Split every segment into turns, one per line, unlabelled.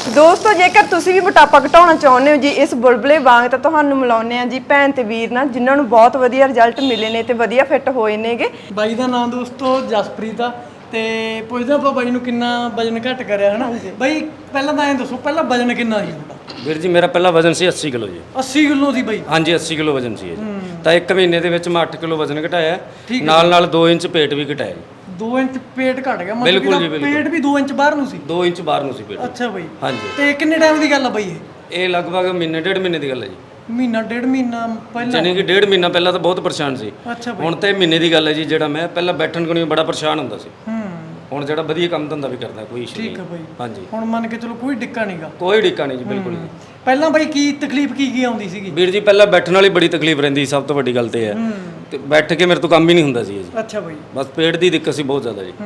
ਦੋਸਤੋ ਜੇਕਰ ਤੁਸੀਂ ਵੀ ਮੋਟਾਪਾ ਘਟਾਉਣਾ ਚਾਹੁੰਦੇ ਹੋ ਜੀ ਇਸ ਬੁਲਬੁਲੇ ਵਾਂਗ ਤਾਂ ਤੁਹਾਨੂੰ ਮਿਲਾਉਂਦੇ ਆ ਜੀ ਭੈਣ ਤੇ ਵੀਰ ਨਾਲ ਜਿਨ੍ਹਾਂ ਨੂੰ ਬਹੁਤ ਵਧੀਆ ਰਿਜ਼ਲਟ ਮਿਲੇ ਨੇ ਤੇ ਵਧੀਆ ਫਿੱਟ ਹੋਏ ਨੇਗੇ।
ਬਾਈ ਦਾ ਨਾਮ ਦੋਸਤੋ ਜਸਪ੍ਰੀਤ ਆ ਤੇ ਪੁੱਛਦੇ ਆਪਾਂ ਬਾਈ ਨੂੰ ਕਿੰਨਾ ਵਜਨ ਘਟ ਕਰਿਆ ਹਨਾ। ਬਾਈ ਪਹਿਲਾਂ ਤਾਂ ਐਂ ਦੱਸੋ ਪਹਿਲਾਂ ਵਜਨ ਕਿੰਨਾ ਸੀ ਤੁਹਾਡਾ?
ਵੀਰ ਜੀ ਮੇਰਾ ਪਹਿਲਾ ਵਜ਼ਨ ਸੀ 80 ਕਿਲੋ ਜੀ।
80 ਕਿਲੋ ਸੀ ਬਾਈ?
ਹਾਂਜੀ 80 ਕਿਲੋ ਵਜ਼ਨ ਸੀ ਜੀ। ਤਾਂ 1 ਮਹੀਨੇ ਦੇ ਵਿੱਚ ਮੈਂ 8 ਕਿਲੋ ਵਜ਼ਨ ਘਟਾਇਆ, ਨਾਲ 2 ਇੰਚ ਪੇਟ ਵੀ ਘਟਾਇਆ ਜੀ।
2 ਇੰਚ ਪੇਟ ਘਟ ਗਿਆ
ਬਿਲਕੁਲ ਜੀ, ਬਿਲਕੁਲ।
ਪੇਟ ਵੀ 2 ਇੰਚ ਬਾਹਰ ਨੂੰ ਸੀ?
2 ਇੰਚ ਬਾਹਰ ਨੂੰ ਸੀ ਪੇਟ।
ਅੱਛਾ ਬਾਈ।
ਹਾਂਜੀ।
ਤੇ ਕਿੰਨੇ ਟਾਈਮ ਦੀ ਗੱਲ ਆ ਬਾਈ
ਇਹ ਲਗਭਗ ਮਹੀਨੇ ਡੇਢ ਮਹੀਨੇ ਦੀ ਗੱਲ ਹੈ ਜੀ।
ਮਹੀਨਾ ਡੇਢ ਮਹੀਨਾ ਪਹਿਲਾਂ?
ਜਾਨੀ ਕਿ ਡੇਢ ਮਹੀਨਾ ਪਹਿਲਾਂ ਤਾਂ ਬਹੁਤ ਪਰੇਸ਼ਾਨ ਸੀ।
ਅੱਛਾ ਬਾਈ।
ਹੁਣ ਤੇ ਮਹੀਨੇ ਦੀ ਗੱਲ ਹੈ ਜੀ। ਜਿਹੜਾ ਮੈਂ ਪਹਿਲਾਂ ਬੈਠਣ ਕੋਲ ਬੜਾ ਪਰੇਸ਼ਾਨ ਹੁੰਦਾ ਸੀ, ਹੁਣ ਜਿਹੜਾ ਵਧੀਆ ਕੰਮ ਧੰਦਾ ਵੀ ਕਰਦਾ, ਕੋਈ ਇਸ਼ੂ ਨਹੀਂ।
ਠੀਕ ਹੈ ਬਾਈ।
ਹਾਂਜੀ
ਹੁਣ ਮੰਨ ਕੇ ਚਲੋ ਕੋਈ ਡਿੱਕਾ ਨਹੀਂਗਾ?
ਕੋਈ ਡਿੱਕਾ ਨਹੀਂ ਜੀ, ਬਿਲਕੁਲ ਜੀ।
ਪਹਿਲਾਂ ਬਾਈ ਕੀ ਤਕਲੀਫ ਕੀ ਆਉਂਦੀ ਸੀਗੀ?
ਵੀਰ ਜੀ ਪਹਿਲਾਂ ਬੈਠਣ ਵਾਲੀ ਬੜੀ ਤਕਲੀਫ ਰਹਿੰਦੀ, ਸਭ ਤੋਂ ਵੱਡੀ ਗੱਲ ਤੇ ਹੈ ਤੇ ਬੈਠ ਕੇ ਮੇਰੇ ਤੋਂ ਕੰਮ ਹੀ ਨਹੀਂ ਹੁੰਦਾ ਸੀ ਜੀ।
ਅੱਛਾ ਬਾਈ।
ਬਸ ਪੇਟ ਦੀ ਦਿੱਕਤ ਸੀ ਬਹੁਤ ਜ਼ਿਆਦਾ ਜੀ।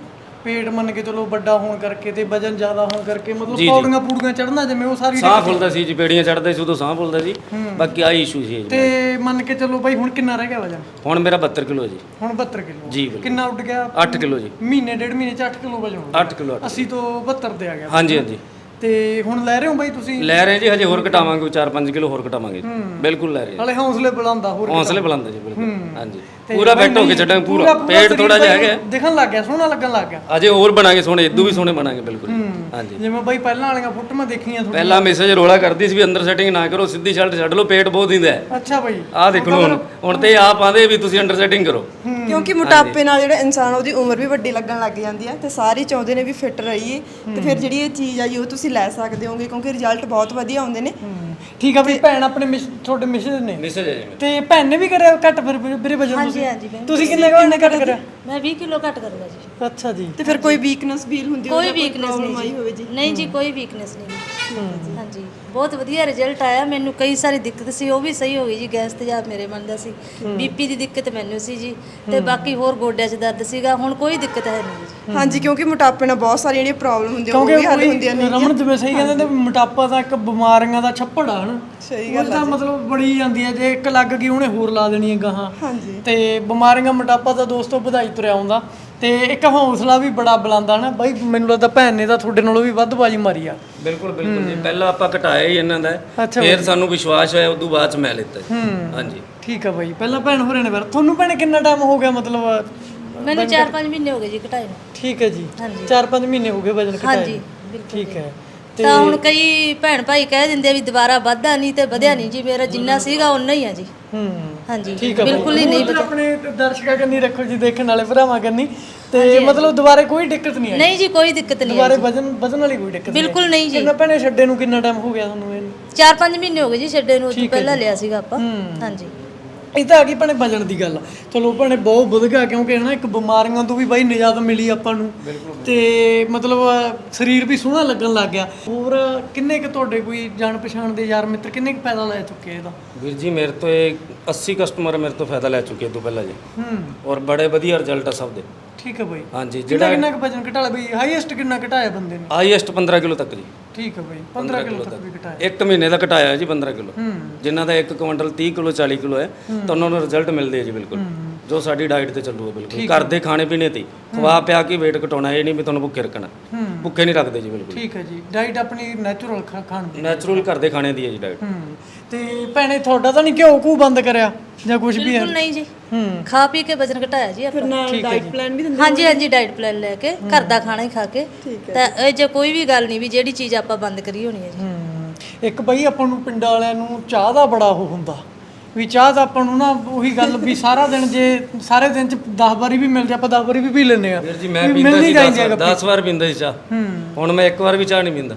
ਪੇਟ ਮੰਨ ਕੇ ਚਲੋ ਵੱਡਾ ਹੋਣ ਕਰਕੇ ਤੇ ਵਜਨ ਜ਼ਿਆਦਾ ਹੋਣ ਕਰਕੇ ਮਤਲਬ ਪੌੜੀਆਂ ਪੂੜੀਆਂ ਚੜਨਾ ਜਿਵੇਂ ਉਹ ਸਾਰੀ
ਸਾਹ ਫੁੱਲਦਾ ਸੀ ਜੀ, ਪੇੜੀਆਂ ਚੜਦੇ ਸੀ ਉਦੋਂ ਸਾਹ ਫੁੱਲਦਾ ਸੀ। ਬਾਕੀ ਆਹੀ ਇਸ਼ੂ ਸੀ ਜੀ।
ਤੇ ਮੰਨ ਕੇ ਚਲੋ ਬਾਈ ਹੁਣ ਕਿੰਨਾ ਰਹਿ ਗਿਆ ਵਜਨ?
ਹੁਣ ਮੇਰਾ 72 ਕਿਲੋ ਜੀ।
ਹੁਣ 72 ਕਿਲੋ
ਜੀ ਬਿਲਕੁਲ।
ਕਿੰਨਾ ਉੱਡ ਗਿਆ?
8 ਕਿਲੋ ਜੀ।
ਮਹੀਨੇ ਡੇਢ ਮਹੀਨੇ ਚ 8 ਕਿਲੋ ਵਜਨ ਹੋ ਗਿਆ?
8 ਕਿਲੋ
80 ਤੋਂ 72 ਤੇ ਆ ਗਿਆ?
ਹਾਂਜੀ ਹਾਂਜੀ।
ਤੇ ਹੁਣ ਲੈ ਰਹੇ ਹੋ ਬਾਈ ਤੁਸੀਂ?
ਲੈ ਰਹੇ ਜੀ, ਹਜੇ ਹੋਰ ਘਟਾਵਾਂਗੇ, 4-5 ਕਿਲੋ ਹੋਰ ਘਟਾਵਾਂਗੇ। ਬਿਲਕੁਲ ਲੈ ਰਹੇ
ਹਲੇ ਹੌਸਲੇ ਬੁਲੰਦਾ ਹੋਰ
ਹੌਸਲੇ ਬੁਲੰਦ ਜੀ, ਬਿਲਕੁਲ। ਹਾਂਜੀ ਪੂਰਾ ਫਿੱਟ ਹੋ ਕੇ ਛੱਡਾਂਗੇ, ਪੂਰਾ ਪੇਟ ਥੋੜਾ ਜਿਹਾ ਹੈਗਾ
ਦਿਖਣ ਲੱਗ ਗਿਆ, ਸੋਹਣਾ ਲੱਗਣ ਲੱਗ ਗਿਆ।
ਅਜੇ ਹੋਰ ਬਣਾਂਗੇ ਸੋਹਣੇ, ਇਦੋਂ ਵੀ ਸੋਹਣੇ ਬਣਾਂਗੇ ਬਿਲਕੁਲ। ਹਾਂਜੀ
ਜਿਵੇਂ ਬਾਈ ਪਹਿਲਾਂ ਵਾਲੀਆਂ ਫੋਟੋਆਂ ਦੇਖੀਆਂ ਤੁਹਾਡੀਆਂ,
ਪਹਿਲਾਂ ਮੈਸੇਜ ਰੋਲਾ ਕਰਦੀ ਸੀ ਵੀ ਅੰਦਰ ਸੈਟਿੰਗ ਨਾ ਕਰੋ, ਸਿੱਧੀ ਸ਼ਰਟ ਛੱਡ ਲਓ, ਪੇਟ ਬਹੁਤ ਦਿੰਦਾ ਹੈ।
ਅੱਛਾ ਬਾਈ।
ਆਹ ਦੇਖ ਲਓ ਹੁਣ ਤੇ ਆਪ ਆਂਦੇ ਵੀ ਤੁਸੀਂ ਅੰਡਰ ਸੈਟਿੰਗ ਕਰੋ।
ਕਿਉਂਕਿ ਮੋਟਾਪੇ ਨਾਲ ਜਿਹੜਾ ਇਨਸਾਨ ਉਹਦੀ ਉਮਰ ਵੀ ਵੱਡੀ ਲੱਗਣ ਲੱਗ ਜਾਂਦੀ ਆ ਤੇ ਸਾਰੇ ਚਾਹੁੰਦੇ ਨੇ ਵੀ ਫਿੱਟ ਰਹੀਏ ਤੇ ਫਿਰ ਜਿਹੜੀ ਇਹ ਚੀਜ਼ ਆ ਜੀ ਉਹ ਤੁਸੀਂ ਲੈ ਸਕਦੇ ਹੋਗੇ ਕਿਉਂਕਿ ਰਿਜ਼ਲਟ ਬਹੁਤ ਵਧੀਆ ਆਉਂਦੇ ਨੇ।
ਠੀਕ ਆ ਬਈ। ਭੈਣ ਆਪਣੇ ਤੁਹਾਡੇ ਮਿਸਿਸ ਨੇ?
ਮੈਸੇਜ ਹੈ ਜੀ।
ਤੇ ਭੈਣ ਨੇ ਵੀ ਕਰਿਆ ਘੱਟ ਫਿਰ ਵੀਰੇ ਵਜਨ?
ਹਾਂਜੀ ਹਾਂਜੀ।
ਤੁਸੀਂ ਕਿੰਨੇ ਘੱਟ ਕਰਿਆ?
ਮੈਂ 20 ਕਿਲੋ ਘੱਟ ਕਰੂੰਗਾ ਜੀ।
ਅੱਛਾ ਜੀ।
ਤੇ ਫਿਰ ਕੋਈ ਵੀਕਨੈਸ ਫੀਲ ਹੁੰਦੀ
ਕੋਈ ਵੀਕਨੈਸ ਨਹੀਂ
ਹੋਵੇ ਜੀ?
ਨਹੀਂ ਜੀ, ਕੋਈ ਵੀਕਨੈਸ ਨਹੀਂ। ਹਾਂਜੀ ਬਹੁਤ ਵਧੀਆ ਰਿਜ਼ਲਟ ਆਇਆ। ਮੈਨੂੰ ਕਈ ਸਾਰੀ ਦਿੱਕਤ ਸੀ, ਉਹ ਵੀ ਸਹੀ ਹੋ ਗਈ ਜੀ। ਗੈਸ ਤੇਜ਼ਾਬ ਮੇਰੇ ਮਨ ਦਾ ਸੀ, ਬੀਪੀ ਦੀ ਦਿੱਕਤ ਮੈਨੂੰ ਸੀ ਜੀ, ਤੇ ਬਾਕੀ ਹੋਰ ਗੋਡਿਆਂ 'ਚ ਦਰਦ ਸੀਗਾ। ਹੁਣ ਕੋਈ ਦਿੱਕਤ ਹੈ ਨਹੀਂ ਜੀ।
ਹਾਂਜੀ ਕਿਉਂਕਿ ਮੋਟਾਪੇ ਨਾਲ ਬਹੁਤ ਸਾਰੀਆਂ ਜਿਹੜੀਆਂ ਪ੍ਰੋਬਲਮ ਹੁੰਦੀਆਂ ਉਹ ਵੀ ਹੱਲ ਹੁੰਦੀਆਂ ਨੇ।
ਰਮਨ ਜਿਵੇਂ ਸਹੀ ਕਹਿੰਦੇ ਨੇ ਮੋਟਾਪਾ ਤਾਂ ਇੱਕ ਬਿਮਾਰੀਆਂ ਦਾ ਛੱਪੜ ਆ ਹਨ।
ਸਹੀ
ਗੱਲ ਆ। ਮਤਲਬ ਬੜੀ ਜਾਂਦੀ ਹੈ, ਜੇ ਇੱਕ ਲੱਗ ਗਈ ਉਹਨੇ ਹੋਰ ਲਾ ਦੇਣੀ ਹੈ ਗਾਹਾਂ।
ਹਾਂਜੀ।
ਤੇ ਬਿਮਾਰੀਆਂ ਮੋਟਾਪਾ ਤਾਂ ਦੋਸਤੋ ਵਧਾਈ ਤੁਰਿਆ ਆਉਂਦਾ ਤੇ ਇੱਕ ਹੌਸਲਾ ਵੀ ਬੜਾ ਬੁਲੰਦਾ ਨਾ ਬਾਈ। ਮੈਨੂੰ ਲੱਗਦਾ ਭੈਣ ਨੇ ਤਾਂ ਤੁਹਾਡੇ ਨਾਲੋਂ ਵੀ ਵੱਧ ਬਾਜੀ ਮਾਰੀ ਆ।
ਬਿਲਕੁਲ ਬਿਲਕੁਲ ਜੀ। ਪਹਿਲਾਂ ਆਪਾਂ ਘਟਾਇਆ ਹੀ ਇਹਨਾਂ ਦਾ, ਫਿਰ ਸਾਨੂੰ ਵਿਸ਼ਵਾਸ ਹੋਇਆ, ਉਦੋਂ ਬਾਅਦ ਚ ਮੈਂ ਲਿੱਤਾ ਜੀ। ਹਾਂਜੀ
ਠੀਕ ਆ ਬਾਈ। ਪਹਿਲਾਂ ਭੈਣ ਹੋਰੇ ਨੇ ਫਿਰ ਤੁਹਾਨੂੰ ਭੈਣੇ ਕਿੰਨਾ ਟਾਈਮ ਹੋ ਗਿਆ? ਮਤਲਬ
ਮੈਨੂੰ 4-5 ਮਹੀਨੇ ਹੋ ਗਏ ਜੀ ਘਟਾਏ ਨੂੰ।
ਠੀਕ ਹੈ ਜੀ।
ਹਾਂਜੀ।
4-5 ਮਹੀਨੇ ਹੋ ਗਏ ਵਜਨ ਘਟਾਏ?
ਹਾਂਜੀ ਬਿਲਕੁਲ।
ਠੀਕ ਹੈ।
ਤਾਂ ਹੁਣ ਕਈ ਭੈਣ ਭਾਈ ਕਹਿ ਦਿੰਦੇ ਆ ਵੀ ਦੁਬਾਰਾ ਵੱਧਦਾ ਨਹੀਂ ਤੇ ਵਧਿਆ ਨਹੀਂ ਜੀ। ਮੇਰਾ ਜਿੰਨਾ ਸੀਗਾ ਉਨਾ ਹੀ ਆ ਜੀ। ਹਾਂਜੀ ਬਿਲਕੁਲ ਹੀ ਨਹੀਂ ਵਧਿਆ।
ਆਪਣੇ ਦਰਸ਼ਕਾਂ ਕੰਨੀ ਰੱਖੋ ਜੀ, ਦੇਖਣ ਵਾਲੇ ਭਰਾਵਾਂ ਕੰਨੀ। ਤੇ ਮਤਲਬ ਦੁਬਾਰੇ ਕੋਈ ਦਿੱਕਤ ਨਹੀਂ ਆਈ?
ਨਹੀਂ ਜੀ ਕੋਈ ਦਿੱਕਤ ਨਹੀਂ।
ਦੁਬਾਰੇ ਵਜਨ ਵਾਲੀ ਕੋਈ ਦਿੱਕਤ ਨਹੀਂ?
ਬਿਲਕੁਲ ਨਹੀਂ ਜੀ।
ਕਿੰਨਾ ਭੈਣੇ ਛੱਡੇ ਨੂੰ ਕਿੰਨਾ ਟਾਈਮ ਹੋ ਗਿਆ ਤੁਹਾਨੂੰ? ਇਹਨੂੰ
4-5 ਮਹੀਨੇ ਹੋ ਗਏ ਜੀ ਛੱਡੇ ਨੂੰ। ਉਦੋਂ ਪਹਿਲਾਂ ਲਿਆ ਸੀਗਾ ਆਪਾਂ। ਹਾਂਜੀ।
ਇਹ ਤਾਂ ਆ ਗਈ ਭੈਣੇ ਵਜਨ ਦੀ ਗੱਲ। ਚਲੋ ਭੈਣੇ ਬਹੁਤ ਵਧ ਗਿਆ ਕਿਉਂਕਿ ਹਨਾ ਇੱਕ ਬਿਮਾਰੀਆਂ ਤੋਂ ਵੀ ਬਾਈ ਨਿਜਾਤ ਮਿਲੀ ਆਪਾਂ ਨੂੰ ਤੇ ਮਤਲਬ ਸਰੀਰ ਵੀ ਸੋਹਣਾ ਲੱਗਣ ਲੱਗ ਗਿਆ। ਹੋਰ ਕਿੰਨੇ ਕੁ ਤੁਹਾਡੇ ਕੋਈ ਜਾਣ ਪਛਾਣ ਦੇ ਯਾਰ ਮਿੱਤਰ ਕਿੰਨੇ ਕੁ ਫਾਇਦਾ ਲੈ ਚੁੱਕੇ ਇਹਦਾ?
ਵੀਰ ਜੀ ਮੇਰੇ ਤੋਂ ਇਹ 80 ਕਸਟਮਰ ਮੇਰੇ ਤੋਂ ਫਾਇਦਾ ਲੈ ਚੁੱਕੇ ਤੋਂ ਪਹਿਲਾਂ ਜੀ। ਔਰ ਬੜੇ ਵਧੀਆ ਰਿਜ਼ਲਟ ਆ ਸਭ ਦੇ।
ਠੀਕ ਹੈ ਬਾਈ।
ਹਾਂਜੀ।
ਕਿੰਨਾ ਕੁ ਵਜਨ ਘਟਾ ਲਿਆ ਬਈ? ਹਾਈਐਸਟ ਕਿੰਨਾ ਘਟਾਇਆ ਬੰਦੇ ਨੇ?
ਹਾਈਐਸਟ 15 ਕਿਲੋ ਤੱਕ ਜੀ।
ਠੀਕ ਹੈ ਬਾਈ। 15 ਕਿਲੋ ਤੱਕ ਵੀ ਘਟਾਇਆ?
1 ਮਹੀਨੇ ਦਾ ਘਟਾਇਆ ਜੀ 15 ਕਿਲੋ। ਜਿਨ੍ਹਾਂ ਦਾ 1 ਕੁਇੰਟਲ 30 ਕਿਲੋ 40 ਕਿਲੋ ਹੈ ਤਾਂ ਉਹਨਾਂ ਨੂੰ ਰਿਜ਼ਲਟ ਮਿਲਦੇ ਆ ਜੀ ਬਿਲਕੁਲ, ਜੋ ਸਾਡੀ ਡਾਈਟ ਤੇ ਚੱਲੂਗਾ ਬਿਲਕੁਲ। ਘਰ ਦੇ ਖਾਣੇ ਪੀਣੇ ਤੇ ਖਵਾ ਪਿਆ ਕੇ weight ਘਟਾਉਣਾ, ਇਹ ਨਹੀਂ ਵੀ ਤੁਹਾਨੂੰ ਭੁੱਖੇ ਰੱਖਣਾ। ਭੁੱਖੇ ਨਹੀਂ ਰੱਖਦੇ ਜੀ ਬਿਲਕੁਲ।
ਠੀਕ ਹੈ ਜੀ। ਡਾਈਟ ਆਪਣੀ ਨੈਚੁਰਲ ਖਾਣ ਦੀ?
ਨੈਚੁਰਲ ਘਰ ਦੇ ਖਾਣੇ ਦੀ ਹੈ ਜੀ ਡਾਈਟ।
ਤੇ ਭੈਣੇ ਤੁਹਾਡਾ ਤਾਂ ਨਹੀਂ ਘਿਓ ਘੂ ਬੰਦ ਕਰਿਆ ਜਾਂ ਕੁਝ ਵੀ ਹੈ?
ਬਿਲਕੁਲ ਨਹੀਂ ਜੀ। ਖਾ ਪੀ ਕੇ ਵਜਨ ਘਟਾਇਆ ਜੀ ਆਪਾਂ।
ਨਾਲ ਡਾਈਟ ਪਲਾਨ ਵੀ ਦਿੰਦੇ?
ਹਾਂਜੀ ਹਾਂਜੀ ਡਾਈਟ ਪਲਾਨ ਲੈ ਕੇ ਘਰ ਦਾ ਖਾਣਾ ਹੀ ਖਾ ਕੇ। ਤਾਂ ਇਹ ਜੇ ਕੋਈ ਵੀ ਗੱਲ ਨਹੀਂ ਵੀ ਜਿਹੜੀ ਚੀਜ਼ ਆਪਾਂ ਬੰਦ ਕਰੀ ਹੋਣੀ ਹੈ ਜੀ।
ਇੱਕ ਬਈ ਆਪਾਂ ਨੂੰ ਪਿੰਡਾਂ ਵਾਲਿਆਂ ਨੂੰ ਚਾਹ ਦਾ ਬੜਾ ਉਹ ਹੁੰਦਾ ਵੀ ਚਾਹ ਤਾਂ ਆਪਾਂ ਨੂੰ ਨਾ ਉਹੀ ਗੱਲ ਵੀ ਸਾਰਾ ਦਿਨ ਜੇ ਸਾਰੇ ਦਿਨ ਚ 10 ਵਾਰੀ ਵੀ ਮਿਲ ਜਾ ਆਪਾਂ 10 ਵਾਰੀ ਵੀ ਪੀ ਲੈਂਦੇ ਆ।
ਵੀਰ ਜੀ ਮੈਂ ਪੀਂਦਾ ਸੀ 10 ਵਾਰ ਪੀਂਦਾ ਸੀ ਚਾਹ। ਹੁਣ ਮੈਂ 1 ਵਾਰ ਵੀ ਚਾਹ ਨਹੀਂ ਪੀਂਦਾ।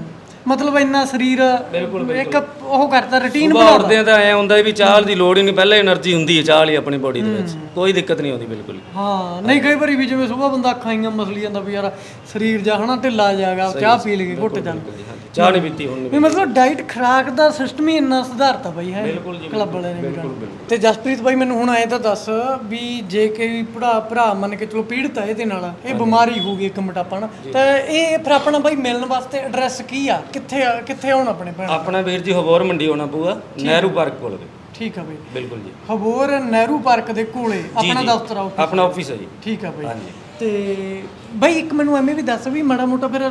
ਮਤਲਬ ਇੰਨਾ ਸਰੀਰ ਇੱਕ ਉਹ ਕਰਦਾ ਰੁਟੀਨ
ਬਣਾਉਂਦਾ। ਉੱਠਦੇ ਤਾਂ ਐ ਹੁੰਦਾ ਵੀ ਚਾਹ ਦੀ ਲੋੜ ਹੀ ਨਹੀਂ, ਪਹਿਲਾਂ એનર્ਜੀ ਹੁੰਦੀ ਹੈ ਚਾਹ ਲਈ ਆਪਣੀ ਬੋਡੀ ਦੇ ਵਿੱਚ, ਕੋਈ ਦਿੱਕਤ ਨਹੀਂ ਆਉਂਦੀ ਬਿਲਕੁਲ।
ਹਾਂ ਨਹੀਂ ਕਈ ਵਾਰੀ ਵੀ ਜਿਵੇਂ ਸੁਬਾਹ ਬੰਦਾ ਅੱਖਾਂ ਆਈਆਂ ਮਸਲੀ ਜਾਂਦਾ ਵੀ ਯਾਰ ਸਰੀਰ ਜਾ ਹਨਾ ਢਿੱਲਾ ਜਾਗਾ, ਚਾਹ ਪੀ ਲਈਏ ਘੁੱਟ ਜਾਂਦਾ।
ਚਾਹ ਨਹੀਂ ਪੀਤੀ ਹੁਣ
ਵੀ ਮਤਲਬ ਡਾਈਟ ਖੁਰਾਕ ਦਾ ਸਿਸਟਮ ਹੀ ਇੰਨਾ ਸੁਧਾਰਤਾ ਬਾਈ ਹੈ ਕਲੱਬ ਵਾਲਿਆਂ ਨੇ। ਤੇ ਜਸਪ੍ਰੀਤ ਬਾਈ ਮੈਨੂੰ ਹੁਣ ਐ ਤਾਂ ਦੱਸ ਵੀ ਜੇ ਕੋਈ ਭਰਾ ਮੰਨ ਕੇ ਚਲੋ ਪੀੜਤ ਹੈ ਇਹਦੇ ਨਾਲ, ਇਹ ਬਿਮਾਰੀ ਹੋ ਗਈ ਇੱਕ ਮੋਟਾਪਾ ਨਾ, ਤਾਂ ਇਹ ਫਿਰ ਆਪਣਾ ਬਾਈ ਮਿਲਣ ਵਾਸਤੇ ਐਡਰੈਸ ਕੀ ਆ? ਕਿੱਥੇ ਆਉਣ ਆਪਣੇ ਭੈਣ?
ਆਪਣਾ ਵੀਰ ਜੀ ਹਬੋਰ ਮੰਡੀ ਆਉਣਾ ਪਊਗਾ, ਨਹਿਰੂ ਪਾਰਕ ਕੋਲ।
ਠੀਕ ਆ ਬਾਈ।
ਬਿਲਕੁਲ ਜੀ।
ਹਬੋਰ ਨਹਿਰੂ ਪਾਰਕ ਦੇ ਕੋਲੇ ਆਪਣਾ ਦਫ਼ਤਰ
ਆਪਣਾ ਆਫਿਸ ਹੈ ਜੀ।
ਠੀਕ ਆ ਬਾਈ।
ਹਾਂਜੀ।
ਤੇ ਬਾਈ ਇੱਕ ਮੈਨੂੰ ਐਵੇਂ ਵੀ ਦੱਸ ਵੀ ਮਾੜਾ ਮੋਟਾ ਫਿਰ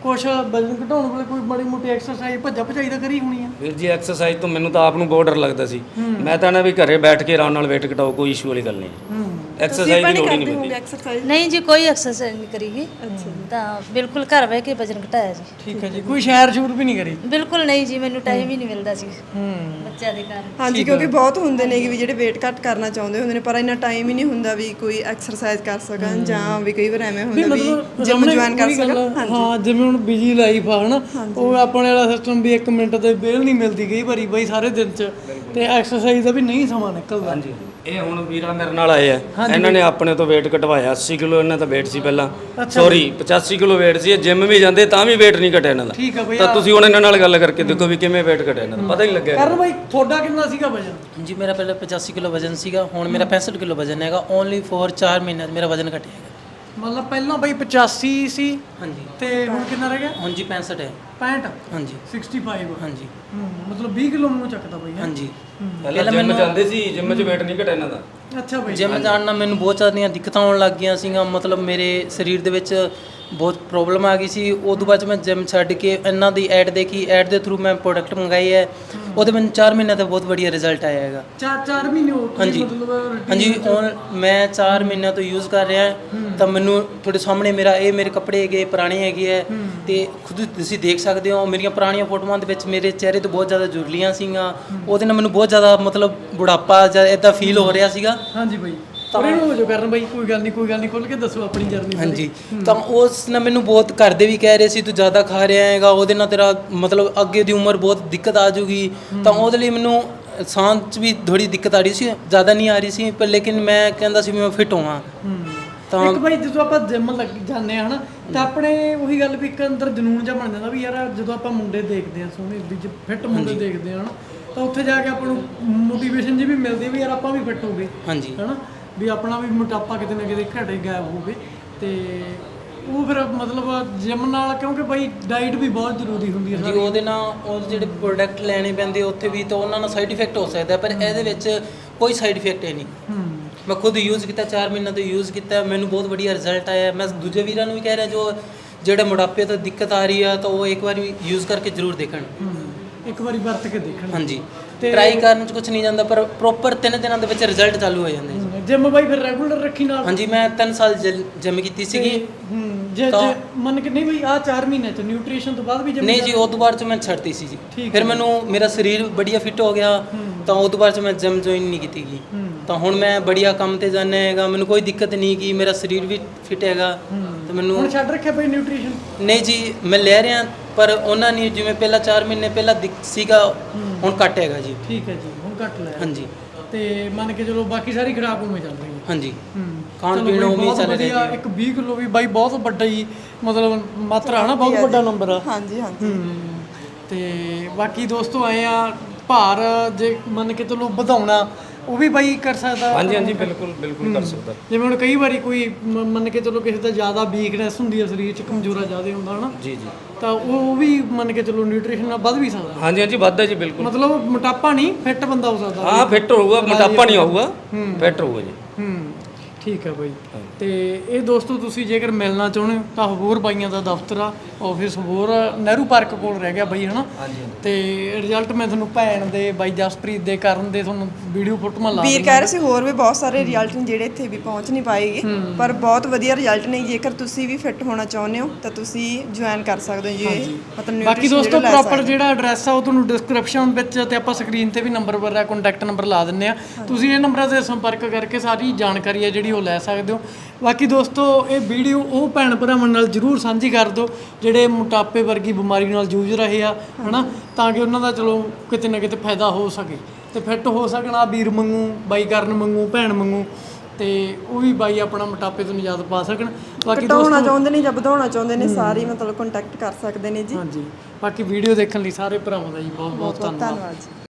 ਕੁਛ ਵਜ਼ਨ ਘਟਾਉਣ ਵੇਲੇ ਕੋਈ ਮਾੜੀ ਮੋਟੀ ਐਕਸਰਸਾਈਜ਼ ਭੱਜਾ ਭਜਾਈ ਤਾਂ ਕਰੀ ਹੋਣੀ ਆ?
ਵੀਰ ਜੀ ਐਕਸਰਸਾਈਜ਼ ਤੋਂ ਮੈਨੂੰ ਤਾਂ ਆਪ ਨੂੰ ਬਹੁਤ ਡਰ ਲੱਗਦਾ ਸੀ। ਮੈਂ ਤਾਂ ਨਾ ਵੀ ਘਰੇ ਬੈਠ ਕੇ ਆਰਾਮ ਨਾਲ ਵੇਟ ਘਟਾਓ, ਕੋਈ ਇਸ਼ੂ ਵਾਲੀ ਗੱਲ ਨਹੀਂ। ਐਕਸਰਸਾਈਜ਼ ਦੀ ਲੋੜ ਹੀ ਨਹੀਂ ਪੈਂਦੀ।
ਐਕਸਰਸਾਈਜ਼
ਨਹੀਂ ਜੀ ਕੋਈ ਐਕਸਰਸਾਈਜ਼ ਨਹੀਂ ਕਰੀਗੀ। ਤਾਂ ਬਿਲਕੁਲ ਘਰ ਬਹਿ ਕੇ ਵਜਨ ਘਟਾਇਆ ਜੀ।
ਠੀਕ ਹੈ ਜੀ। ਕੋਈ ਸੈਰ ਸ਼ੂਰ ਵੀ ਨਹੀਂ ਕਰੀ?
ਬਿਲਕੁਲ ਨਹੀਂ ਜੀ, ਮੈਨੂੰ ਟਾਈਮ ਹੀ ਨਹੀਂ ਮਿਲਦਾ ਸੀ ਬੱਚਿਆਂ ਦੇ ਕਾਰਨ।
ਹਾਂਜੀ, ਕਿਉਂਕਿ ਬਹੁਤ ਹੁੰਦੇ ਨੇ ਵੀ ਜਿਹੜੇ weight ਘੱਟ ਕਰਨਾ ਚਾਹੁੰਦੇ ਹੁੰਦੇ ਨੇ ਪਰ ਇੰਨਾ ਟਾਈਮ ਹੀ ਨਹੀਂ ਹੁੰਦਾ ਵੀ ਕੋਈ ਐਕਸਰਸਾਈਜ਼ ਕਰ ਸਕਣ ਜਾਂ ਵੀ ਕਈ ਵਾਰ ਐਵੇਂ ਹੁੰਦਾ ਵੀ ਜਿਮ ਜੁਆਇਨ ਕਰ ਸਕਣ।
ਹਾਂ, ਜਿਵੇਂ ਹੁਣ ਬਿਜੀ ਲਾਈਫ ਆ ਹਨਾ, ਉਹ ਆਪਣੇ ਵਾਲਾ ਸਿਸਟਮ ਵੀ 1 ਮਿੰਟ ਤੇ ਵਿਹਲ ਨਹੀਂ ਮਿਲਦੀ ਕਈ ਵਾਰੀ ਬਾਈ ਸਾਰੇ ਦਿਨ 'ਚ, ਤੇ ਐਕਸਰਸਾਈਜ਼ ਦਾ ਵੀ ਨਹੀਂ ਸਮਾਂ ਨਿਕਲਦਾ।
ਹਾਂਜੀ, ਇਹ ਹੁਣ ਵੀਰਾ ਮੇਰੇ ਨਾਲ ਆਏ ਆ, ਇਹਨਾਂ ਨੇ ਆਪਣੇ ਤੋਂ weight ਘਟਵਾਇਆ। 80 ਕਿਲੋ ਇਹਨਾਂ ਦਾ weight ਸੀ ਪਹਿਲਾਂ, ਸੌਰੀ 85 ਕਿਲੋ weight ਸੀ। ਇਹ ਜਿਮ ਵੀ ਜਾਂਦੇ ਤਾਂ ਵੀ weight ਨਹੀਂ ਘਟਿਆ ਇਹਨਾਂ ਦਾ।
ਠੀਕ ਆ ਬਈ।
ਤਾਂ ਤੁਸੀਂ ਹੁਣ ਇਹਨਾਂ ਨਾਲ ਗੱਲ ਕਰਕੇ ਦੇਖੋ ਵੀ ਕਿਵੇਂ weight ਘਟਿਆ ਇਹਨਾਂ ਦਾ, ਪਤਾ ਹੀ ਲੱਗਿਆ।
ਕਰਨ ਬਾਈ ਤੁਹਾਡਾ ਕਿੰਨਾ ਸੀਗਾ ਵਜਨ?
ਜੀ ਮੇਰਾ ਪਹਿਲਾਂ 85 ਕਿਲੋ ਵਜ਼ਨ ਸੀਗਾ, ਹੁਣ ਮੇਰਾ 65 ਕਿਲੋ ਵਜ਼ਨ ਹੈਗਾ। ਓਨਲੀ ਫॉर 4 ਮਹੀਨਿਆਂ 'ਚ ਮੇਰਾ ਵਜ਼ਨ ਘਟਿਆ ਹੈਗਾ।
ਮਤਲਬ ਪਹਿਲਾਂ ਬਾਈ 85 ਸੀ
ਹਾਂਜੀ,
ਤੇ ਹੁਣ ਕਿੰਨਾ ਰਹਿ ਗਿਆ?
ਹੁਣ ਜੀ 65 ਹੈ।
65?
ਹਾਂਜੀ
65।
ਹਾਂਜੀ
ਮਤਲਬ 20 ਕਿਲੋ ਮੂੰਹ ਚੱਕਦਾ ਬਾਈ।
ਹਾਂਜੀ।
ਪਹਿਲਾਂ ਜਿਮ ਜਾਂਦੇ ਸੀ, ਜਿਮ 'ਚ weight ਨਹੀਂ ਘਟਿਆ ਇਹਨਾਂ ਦਾ।
ਅੱਛਾ ਬਾਈ।
ਜਿਮ ਜਾਣ ਨਾਲ ਮੈਨੂੰ ਬਹੁਤ ਜ਼ਿਆਦੀਆਂ ਦਿੱਕਤਾਂ ਆਉਣ ਲੱਗ ਗਈਆਂ ਸੀਗੀਆਂ। ਮਤਲਬ ਮੇਰੇ ਸਰੀਰ ਦੇ ਵਿੱਚ ਬਹੁਤ ਪ੍ਰੋਬਲਮ ਆ ਗਈ ਸੀ। ਉਸ ਤੋਂ ਬਾਅਦ 'ਚ ਮੈਂ ਜਿਮ ਛੱਡ ਕੇ ਇਹਨਾਂ ਦੀ ਐਡ ਦੇਖੀ, ਐਡ ਦੇ ਥਰੂ ਮੈਂ ਪ੍ਰੋਡਕਟ ਮੰਗਾਈ ਹੈ। ਉਹਦੇ ਮੈਨੂੰ 4 ਮਹੀਨਿਆਂ ਦਾ ਬਹੁਤ ਵਧੀਆ ਰਿਜ਼ਲਟ ਆਇਆ ਹੈਗਾ।
4 ਮਹੀਨੇ ਹੋ ਗਏ
ਹਾਂਜੀ
ਮਤਲਬ?
ਹਾਂਜੀ, ਹੁਣ ਮੈਂ 4 ਮਹੀਨਿਆਂ ਤੋਂ ਯੂਜ਼ ਕਰ ਰਿਹਾ ਤਾਂ ਮੈਨੂੰ ਤੁਹਾਡੇ ਸਾਹਮਣੇ ਮੇਰੇ ਕੱਪੜੇ ਹੈਗੇ ਪੁਰਾਣੇ ਹੈਗੇ ਹੈ, ਤੇ ਖੁਦ ਤੁਸੀਂ ਦੇਖ ਸਕਦੇ ਹੋ ਮੇਰੀਆਂ ਪੁਰਾਣੀਆਂ ਫੋਟੋਆਂ ਦੇ ਵਿੱਚ ਮੇਰੇ ਚਿਹਰੇ ਤੋਂ ਬਹੁਤ ਜ਼ਿਆਦਾ ਜੁਰਲੀਆਂ ਸੀਗੀਆਂ। ਉਹਦੇ ਨਾਲ ਮੈਨੂੰ ਬਹੁਤ ਜ਼ਿਆਦਾ ਮਤਲਬ ਬੁਢਾਪਾ ਜਾਂ ਇਦਾਂ ਫੀਲ ਹੋ ਰਿਹਾ ਸੀਗਾ।
ਹਾਂਜੀ ਬਾਈ, ਤਾਂ ਹੋ ਜੋ ਕਰਨ ਬਾਈ, ਕੋਈ ਗੱਲ ਨਹੀਂ ਖੁੱਲ ਕੇ ਦੱਸੋ ਆਪਣੀ ਜਰਨੀ।
ਹਾਂਜੀ, ਤਾਂ ਉਸ ਨਾਲ ਮੈਨੂੰ ਬਹੁਤ ਘਰ ਦੇ ਵੀ ਕਹਿ ਰਹੇ ਸੀ ਤੂੰ ਜ਼ਿਆਦਾ ਖਾ ਰਿਹਾ ਹੈਗਾ, ਉਹਦੇ ਨਾਲ ਤੇਰਾ ਮਤਲਬ ਅੱਗੇ ਦੀ ਉਮਰ ਬਹੁਤ ਦਿੱਕਤ ਆ ਜਾਊਗੀ। ਤਾਂ ਉਹਦੇ ਲਈ ਮੈਨੂੰ ਸਾਹ 'ਚ ਵੀ ਥੋੜੀ ਦਿੱਕਤ ਆ ਰਹੀ ਸੀ, ਜ਼ਿਆਦਾ ਨਹੀਂ ਆ ਰਹੀ ਸੀ ਪਰ ਲੇਕਿਨ ਮੈਂ ਕਹਿੰਦਾ ਸੀ ਵੀ ਮੈਂ ਫਿੱਟ ਹੋਵਾਂ।
ਤਾਂ ਇੱਕ ਬਾਈ ਜਦੋਂ ਆਪਾਂ ਜਿਮ ਲੱਗ ਜਾਂਦੇ ਆ ਹਨਾ, ਤਾਂ ਆਪਣੇ ਉਹੀ ਗੱਲ ਵੀ ਇੱਕ ਅੰਦਰ ਜਨੂਨ ਜਿਹਾ ਬਣ ਜਾਂਦਾ ਵੀ ਯਾਰ ਜਦੋਂ ਆਪਾਂ ਮੁੰਡੇ ਦੇਖਦੇ ਆ ਸੋਹਣੇ ਵੀ ਫਿੱਟ ਮੁੰਡੇ ਦੇਖਦੇ ਆ ਹਨਾ, ਤਾਂ ਉੱਥੇ ਜਾ ਕੇ ਆਪਾਂ ਨੂੰ ਮੋਟੀਵੇਸ਼ਨ ਜੀ ਵੀ ਮਿਲਦੀ ਵੀ ਯਾਰ ਆਪਾਂ ਵੀ ਫਿੱਟ ਹੋ ਗਏ। ਹਾਂਜੀ ਹਨਾ, ਵੀ ਆਪਣਾ ਵੀ ਮੋਟਾਪਾ ਕਿਤੇ ਨਾ ਕਿਤੇ ਘਟੇ ਗਾਇਬ ਹੋਵੇ। ਤੇ ਉਹ ਫਿਰ ਮਤਲਬ ਜਿਮ ਨਾਲ, ਕਿਉਂਕਿ ਬਾਈ ਡਾਈਟ ਵੀ ਬਹੁਤ ਜ਼ਰੂਰੀ ਹੁੰਦੀ ਹੈ
ਜੀ। ਉਹਦੇ ਨਾਲ ਉਹ ਜਿਹੜੇ ਪ੍ਰੋਡਕਟ ਲੈਣੇ ਪੈਂਦੇ ਉੱਥੇ ਵੀ ਤਾਂ ਉਹਨਾਂ ਨਾਲ ਸਾਈਡ ਇਫੈਕਟ ਹੋ ਸਕਦਾ, ਪਰ ਇਹਦੇ ਵਿੱਚ ਕੋਈ ਸਾਈਡ ਇਫੈਕਟ ਹੈ ਨਹੀਂ। ਮੈਂ ਖੁਦ ਯੂਜ਼ ਕੀਤਾ, 4 ਮਹੀਨਿਆਂ ਤੋਂ ਯੂਜ਼ ਕੀਤਾ, ਮੈਨੂੰ ਬਹੁਤ ਵਧੀਆ ਰਿਜ਼ਲਟ ਆਇਆ। ਮੈਂ ਦੂਜੇ ਵੀਰਾਂ ਨੂੰ ਵੀ ਕਹਿ ਰਿਹਾ ਜਿਹੜੇ ਮੋਟਾਪੇ ਤੋਂ ਦਿੱਕਤ ਆ ਰਹੀ ਆ ਤਾਂ ਉਹ ਇੱਕ ਵਾਰੀ ਯੂਜ਼ ਕਰਕੇ ਜ਼ਰੂਰ ਦੇਖਣ,
ਇੱਕ ਵਾਰੀ ਵਰਤ ਕੇ ਦੇਖਣ।
ਹਾਂਜੀ, ਟਰਾਈ ਕਰਨ 'ਚ ਕੁਝ ਨਹੀਂ ਜਾਂਦਾ ਪਰ ਪ੍ਰੋਪਰ 3 ਦਿਨਾਂ ਦੇ ਵਿੱਚ ਰਿਜ਼ਲਟ ਚਾਲੂ ਹੋ ਜਾਂਦੇ ਜੀ।
ਜਿਮ ਬਾਈ ਫਿਰ ਰੈਗੂਲਰ ਰੱਖੀ ਨਾਲ?
ਹਾਂਜੀ, ਮੈਂ 3 ਸਾਲ ਜਿਮ ਕੀਤੀ ਸੀਗੀ।
ਜੇ ਮੰਨ ਕੇ ਨਹੀਂ ਬਈ ਆ 4 ਮਹੀਨੇ ਚ ਨਿਊਟ੍ਰੀਸ਼ਨ ਤੋਂ ਬਾਅਦ ਵੀ ਜਿਮ?
ਨਹੀਂ ਜੀ, ਉਸ ਤੋਂ ਬਾਅਦ 'ਚ ਮੈਂ ਛੱਡਤੀ ਸੀ ਜੀ। ਫਿਰ ਮੈਨੂੰ ਮੇਰਾ ਸਰੀਰ ਬੜੀਆ ਫਿੱਟ ਹੋ ਗਿਆ ਤਾਂ ਉਸ ਤੋਂ ਬਾਅਦ 'ਚ ਮੈਂ ਜਿਮ ਜੁਆਇਨ ਨਹੀਂ ਕੀਤੀ ਗੀ। ਤਾਂ ਹੁਣ ਮੈਂ ਬੜੀਆ ਕੰਮ ਤੇ ਜਾਂਦਾ ਹੈਗਾ, ਮੈਨੂੰ ਕੋਈ ਦਿੱਕਤ ਨਹੀਂ ਗੀ, ਮੇਰਾ ਸਰੀਰ ਵੀ ਫਿੱਟ ਹੈਗਾ। ਤਾਂ ਮੈਨੂੰ
ਹੁਣ ਛੱਡ ਰੱਖਿਆ ਬਈ ਨਿਊਟ੍ਰੀਸ਼ਨ?
ਨਹੀਂ ਜੀ, ਮੈਂ ਲੈ ਰਿਹਾ ਪਰ ਉਹਨਾਂ ਨੇ ਜਿਵੇਂ ਪਹਿਲਾਂ 4 ਮਹੀਨੇ ਪਹਿਲਾਂ ਸੀਗਾ, ਹੁਣ ਘੱਟ ਹੈਗਾ ਜੀ।
ਠੀਕ ਹੈ ਜੀ, ਹੁਣ ਘੱਟ ਲਿਆ।
ਹਾਂਜੀ,
ਤੇ ਮੰਨ ਕੇ ਚਲੋ ਬਾਕੀ ਸਾਰੀ ਖੁਰਾਕ ਉਵੇਂ ਚੱਲ ਰਹੀ ਹੈ?
ਹਾਂਜੀ, ਖਾਣ ਪੀਣ ਉਵੇਂ ਚੱਲ ਰਿਹਾ ਜੀ।
ਇੱਕ 20 ਕਿਲੋ ਵੀ ਬਾਈ ਬਹੁਤ ਵੱਡਾ ਹੀ ਮਤਲਬ ਮਾਤਰਾ ਹਨਾ, ਬਹੁਤ ਵੱਡਾ ਨੰਬਰ ਆ।
ਹਾਂਜੀ ਹਾਂਜੀ।
ਤੇ ਬਾਕੀ ਦੋਸਤੋ ਆਏ ਆ ਭਾਰ ਜੇ ਮੰਨ ਕੇ ਚਲੋ ਵਧਾਉਣਾ ਉਹ ਵੀ ਬਾਈ ਕਰ ਸਕਦਾ?
ਹਾਂਜੀ ਹਾਂਜੀ, ਬਿਲਕੁਲ ਬਿਲਕੁਲ ਕਰ ਸਕਦਾ।
ਜਿਵੇਂ ਹੁਣ ਕਈ ਵਾਰੀ ਕੋਈ ਮੰਨ ਕੇ ਚਲੋ ਕਿਸੇ ਦਾ ਜ਼ਿਆਦਾ ਵੀਕਨੈਸ ਹੁੰਦੀ ਹੈ, ਸਰੀਰ 'ਚ ਕਮਜ਼ੋਰਾ ਜ਼ਿਆਦਾ ਹੁੰਦਾ ਹਨਾ,
ਜੀ ਜੀ,
ਤਾਂ ਉਹ ਵੀ ਮੰਨ ਕੇ ਚਲੋ ਨਿਊਟ੍ਰੀਸ਼ਨ ਨਾਲ ਵੱਧ ਵੀ ਸਕਦਾ?
ਹਾਂਜੀ ਹਾਂਜੀ, ਵੱਧਦਾ ਜੀ ਬਿਲਕੁਲ।
ਮਤਲਬ ਮੋਟਾਪਾ ਨਹੀਂ, ਫਿੱਟ ਬੰਦਾ ਹੋ ਸਕਦਾ?
ਹਾਂ, ਫਿੱਟ ਹੋਊਗਾ, ਮੋਟਾਪਾ ਨਹੀਂ ਆਊਗਾ, ਫਿੱਟ ਹੋਊਗਾ ਜੀ।
ਠੀਕ ਹੈ ਬਾਈ। ਤੇ ਇਹ ਦੋਸਤੋ ਤੁਸੀਂ ਜੇਕਰ ਮਿਲਣਾ ਚਾਹੁੰਦੇ ਹੋ ਤਾਂ ਹੋਰ ਬਾਈਆਂ ਦਾ ਦਫ਼ਤਰ ਆ, ਆਫਿਸ ਹੋਰ ਨਹਿਰੂ ਪਾਰਕ ਕੋਲ ਰਹਿ ਗਿਆ ਬਾਈ ਹਨਾ। ਤੇ ਰਿਜ਼ਲਟ ਮੈਂ ਤੁਹਾਨੂੰ ਭੈਣ ਦੇ ਬਾਈ ਜਸਪ੍ਰੀਤ ਦੇ ਕਰਨ ਦੇ ਤੁਹਾਨੂੰ ਵੀਡੀਓ ਫੋਟੋਆਂ ਲਾ
ਵੀਰ ਕਹਿ ਰਹੇ ਸੀ ਹੋਰ ਵੀ ਬਹੁਤ ਸਾਰੇ ਰਿਜ਼ਲਟ ਨੇ ਜਿਹੜੇ ਇੱਥੇ ਵੀ ਪਹੁੰਚ ਨਹੀਂ ਪਾਏਗੇ, ਪਰ ਬਹੁਤ ਵਧੀਆ ਰਿਜ਼ਲਟ ਨੇ। ਜੇਕਰ ਤੁਸੀਂ ਵੀ ਫਿੱਟ ਹੋਣਾ ਚਾਹੁੰਦੇ ਹੋ ਤਾਂ ਤੁਸੀਂ ਜੁਆਇਨ ਕਰ ਸਕਦੇ ਹੋ ਜੀ। ਮਤਲਬ
ਬਾਕੀ ਦੋਸਤੋ ਪ੍ਰੋਪਰ ਜਿਹੜਾ ਐਡਰੈਸ ਆ ਉਹ ਤੁਹਾਨੂੰ ਡਿਸਕ੍ਰਿਪਸ਼ਨ ਵਿੱਚ ਤੇ ਆਪਾਂ ਸਕਰੀਨ ਤੇ ਵੀ ਨੰਬਰ ਵਗੈਰਾ ਕੰਟੈਕਟ ਨੰਬਰ ਲਾ ਦਿੰਨੇ ਆ, ਤੁਸੀਂ ਇਹ ਨੰਬਰਾਂ ਤੇ ਸੰਪਰਕ ਕਰਕੇ ਸਾਰੀ ਜਾਣਕਾਰੀ ਹੈ ਜਿਹੜੀ ਉਹ ਲੈ ਸਕਦੇ ਹੋ। ਬਾਕੀ ਦੋਸਤੋ ਇਹ ਵੀਡੀਓ ਉਹ ਭੈਣ ਭਰਾਵਾਂ ਨਾਲ ਜ਼ਰੂਰ ਸਾਂਝੀ ਕਰ ਦਿਓ ਜਿਹੜੇ ਮੋਟਾਪੇ ਵਰਗੀ ਬਿਮਾਰੀ ਨਾਲ ਜੂਝ ਰਹੇ ਆ ਹਨਾ, ਤਾਂ ਕਿ ਉਹਨਾਂ ਦਾ ਚਲੋ ਕਿਤੇ ਨਾ ਕਿਤੇ ਫਾਇਦਾ ਹੋ ਸਕੇ ਤੇ ਫਿੱਟ ਹੋ ਸਕਣ। ਆ ਵੀਰ ਮੰਗੂ, ਬਾਈ ਕਰਨ ਮੰਗੂ, ਭੈਣ ਮੰਗੂ, ਤੇ ਉਹ ਵੀ ਬਾਈ ਆਪਣਾ ਮੋਟਾਪੇ ਤੋਂ ਨਿਜਾਤ ਪਾ ਸਕਣ। ਬਾਕੀ
ਘਟਾਉਣਾ ਚਾਹੁੰਦੇ ਨੇ ਜਾਂ ਵਧਾਉਣਾ ਚਾਹੁੰਦੇ ਨੇ ਸਾਰੇ ਮਤਲਬ ਕੰਟੈਕਟ ਕਰ ਸਕਦੇ ਨੇ ਜੀ।
ਹਾਂਜੀ, ਬਾਕੀ ਵੀਡੀਓ ਦੇਖਣ ਲਈ ਸਾਰੇ ਭਰਾਵਾਂ ਦਾ ਜੀ ਬਹੁਤ ਬਹੁਤ ਧੰਨਵਾਦ।
ਧੰਨਵਾਦ ਜੀ।